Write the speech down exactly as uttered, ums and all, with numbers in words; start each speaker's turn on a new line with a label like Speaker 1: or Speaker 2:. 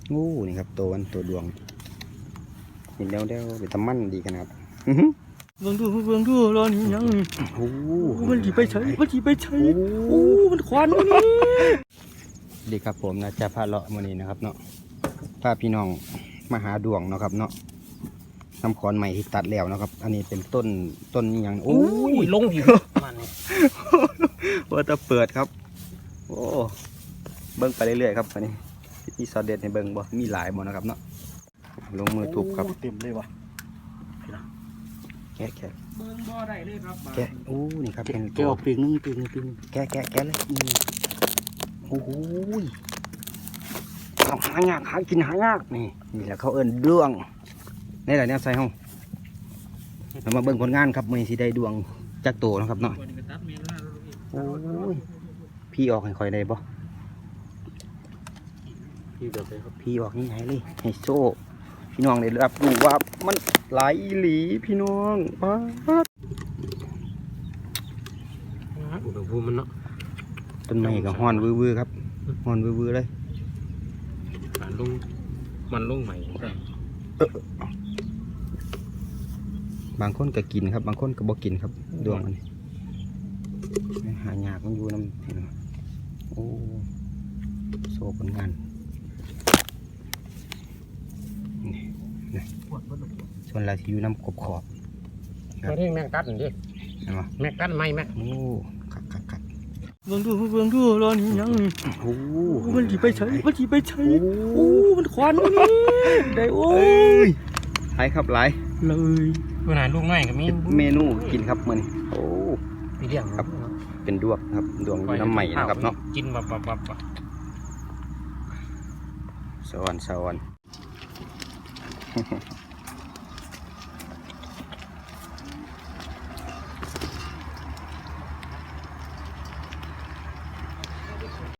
Speaker 1: งูนี่ครับตัวมันตัวดวงเห็นแล้วแล้วเป็นตะมั่นดีขนาด
Speaker 2: เบิ่งดูเบิ่งดูรอนี่ยังนี่โอ้มันจีไปใช้มันจีไปใช้โอ้มันควันนี่
Speaker 1: ดีครับผมนะจะพาเลาะมื้อนี้นะครับเนาะพาพี่น้องมาหาดวงเนาะครับเนาะน้ำขอนใหม่ที่ตัดแล้วนะครับ อันนี้เป็นต้นต้นนี่ยังโอ้
Speaker 2: ยลงอยู่มันนี่
Speaker 1: ว่าจะเปิดครับโอ้เบิ้งไปเรื่อยๆครับอันนี้มีซอสเด็ดในเบิ้งบ่มีหลายบ่นะครับเนาะลงมือทุบครับ
Speaker 2: เต็มเลยวะ
Speaker 1: แกะแกะ
Speaker 2: เบิ้งบ่ได้เลยครับ
Speaker 1: แกะโอ้นี่ครับเป็น
Speaker 2: แกะออกปีกนึงปีกนึงปีกนึง
Speaker 1: แกะแกะแกะเลยโอ้โหเอาหายากหากินหายากนี่นี่แหละเขาเอิ้นดวงนี่แหละเนี่ยใส่ห้องเรามาเบิ้งผลงานครับมือสีได้ดวงจักโตนะครับเนาะโอ้ยพี่ออกให้คอยได้บ่
Speaker 2: พี่เดี๋ยวไปครับ
Speaker 1: พี่ออกนี่ไงเลยให้โซ่พี่น้องได้รับรู้ว่ามันหลายอีหลีพี่น้องป๊าด
Speaker 2: อุณหภูมิมันเนาะ
Speaker 1: ต้นไม้กับฮ้อนวื้อๆครับฮ้อนวื้อๆเลย
Speaker 2: มันลงมันลงใหม่
Speaker 1: บางคนก็กินครับบางคนก็บ่กินครับดวงมันหายากมันอยู่น้ำเห็นไหมโอ้โซ่ผลงานนี่นะส่วนเราที่อยู่น้ำขอบขอบ
Speaker 2: มาที่แมงกัดนี่
Speaker 1: เห็นไหม
Speaker 2: แมงกัดไหมแม่
Speaker 1: โอ้ขัดขัดขัด
Speaker 2: เบิ่งดูเบิ่งดูรอนี่ยังนี่
Speaker 1: โอ้
Speaker 2: มันจีไปใช้มันจีไปใช้โอ้มันควันนี่ได้โอ้ย
Speaker 1: หลายครับหลาย
Speaker 2: เลยขนาดลูกน้อยก็มี
Speaker 1: เมนูกินครับมันโอ้
Speaker 2: มีเรื่อง
Speaker 1: ครับเป็นดวงครับดวงน้ำใหม่นะครับเนาะ
Speaker 2: กินแบบแบบแบบ
Speaker 1: สวรรค์สวรรค์